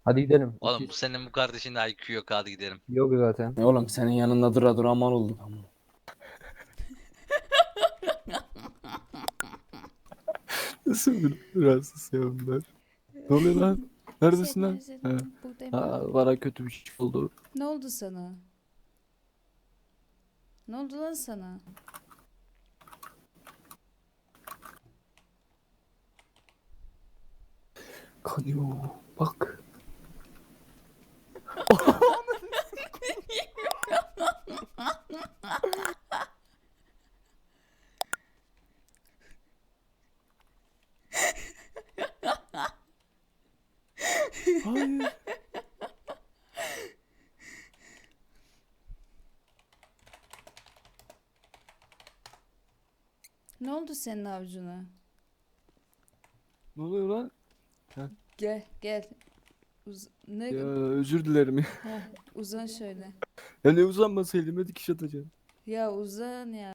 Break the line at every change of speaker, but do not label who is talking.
Hadi gidelim.
Oğlum bu senin bu kardeşin de IQ yok, hadi gidelim.
Yok zaten.
Oğlum senin yanında dura dura aman oldum. Nasıl bir rahatsız ya bunlar? Ne oluyor lan? Neredesin
Seni
lan? He.
özledim. Buradayım.
Bana kötü bir şey oldu.
Ne oldu sana? Ne oldu lan sana?
Kanıyor. Bak. Hayır.
Ne oldu senin avucuna?
Ne oluyor lan?
Gel gel. Ne?
Ya özür dilerim.
Heh, uzan şöyle.
Ya ne uzanmasaydım, hadi dikiş atacağım.
Ya uzan ya.